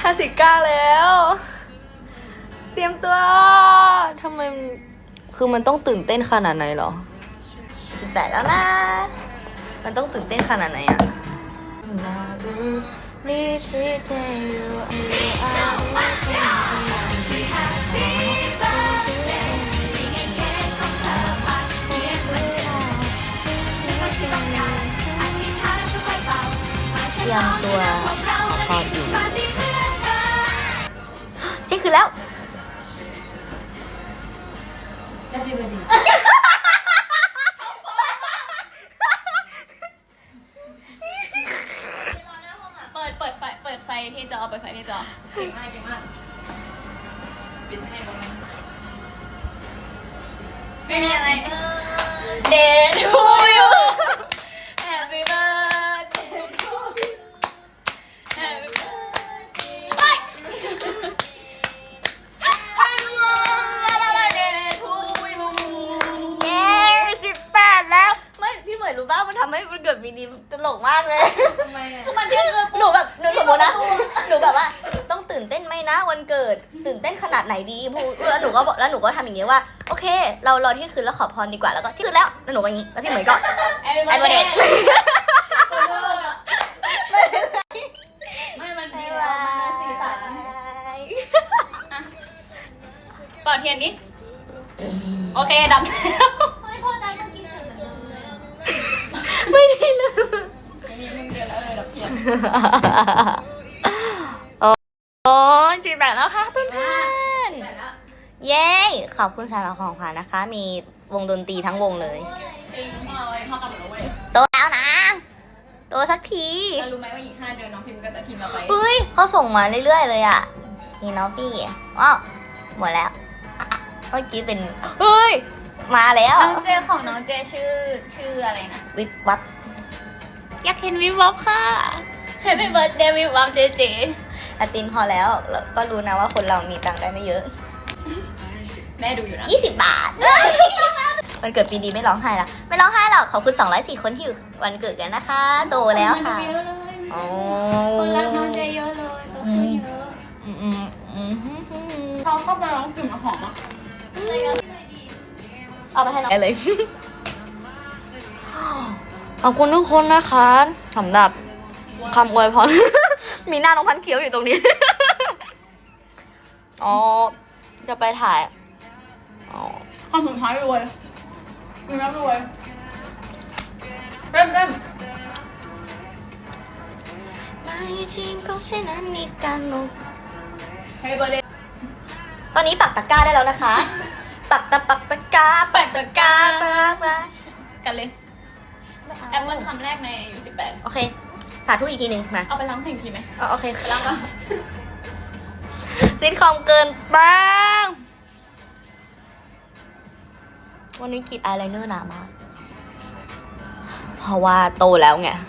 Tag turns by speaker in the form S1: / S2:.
S1: 59แล้วเตรียมตัวทำไมคือมันต้องตื่นเต้นขนาดไหนหรอ18แล้วนะมันต้องตื่นเต้นขนาดไหนอะเตรียมตัวขออยู่เที่ยงคืนแล้ว
S2: เปิดไฟที่จอเปิดไฟที่จอเก่งมากปิดให้ไม่มีอะไรDay to you Happy birthday to you Happy birthday
S1: 18แล้วไม่พี่เหมยรู้ป่ะมันทำให้มันเกิดวีดีตลกมากเลย
S2: ทำไมคือมันเที่ยงคืน
S1: หนูแบบหนูสมมตินะหนูแบบว่าต้องตื่นเต้นไหมนะวันเกิดตื่นเต้นขนาดไหนดีพูดแล้วหนูก็ทำอย่างนี้ว่าโอเคเรารอที่คืนแล้วขอพรดีกว่าแล้วก็ที่คืนแล้วหนูก็อย่างนี้แล้วพี่เหมยก็ไอ้ประเด็น
S2: ไม่มันดีแล้วมันสีสันปอดเทียนดิโอเคดำแล้วไม่พอดำเมื่อกี้
S1: ไม่ได้เลย
S2: มีมึงเดียวแล้วดับเทียน
S1: โอ้18แล้วค่ะเพื่อนๆเย้ขอบคุณสำหรับของขวัญนะคะมีวงดนตรีทั้งวงเลย
S2: จริงพ่อเลยพ่อกลับมาแล้วเว้ย
S1: โตแล้วนะโตสักที
S2: แล้วรู้ไหมว่าอีก5 เดือนน้องพิมพ์ก็จะทีมเราไป
S1: เฮ้ยเขาส่งมาเรื่อยๆเลยอ่ะนี่น้องพี่ว้าวหมดแล้วเมื่อกี้เป็นเฮ้ยมาแล้ว
S2: น้องเจของน้องเจชื่ออะไรนะ
S1: วิบวับ
S2: อยากเห็นวิบวับค่ะ Happy birthday วิบวับเจ
S1: อาตินพอแล้วก็รู้นะว่าคนเรามีตังค์ได้ไม่เยอะ
S2: แม่ดูอยู่นะ
S1: 20 บาทวันเกิดปีดีไม่ร้องไห้ละไม่ร้องไห้หรอกขอบคุณ204คนที่อยู่วันเกิดกันนะคะโตแล้วค่ะ
S2: คนรักน้องเจเยอะเลยโตขึ้นเยอะเขาเข้าไปร้องกลิ่นหอมอ่ะ
S1: เอาไปให้น้องเลยขอบคุณทุกคนนะคะสำหรับคำอวยพรมีหน้าน้องพันเคี้ยวอยู่ตรงนี้อ๋อจะไปถ่ายอ๋อ
S2: คำสุดท้ายรวยมีน้ำรวยเริ่ม
S1: ไม่จริงก็เช่นนั้นนี่กันนุก
S2: Happy birthday
S1: ตอนนี้ปักตะกร้าได้แล้วนะคะปักตะกร้า
S2: กันเลยแอปเปิลคำแรกในอายุ18
S1: โอเคสาธุอีกทีหนึ่งมา
S2: เอาไปล้างเพลงทีไหม
S1: โอเค
S2: ล้างก่อน
S1: ซิทคอมเกินบ้างวันนี้กรีดอายไลเนอร์หนามากเพราะว่าโตแล้วไง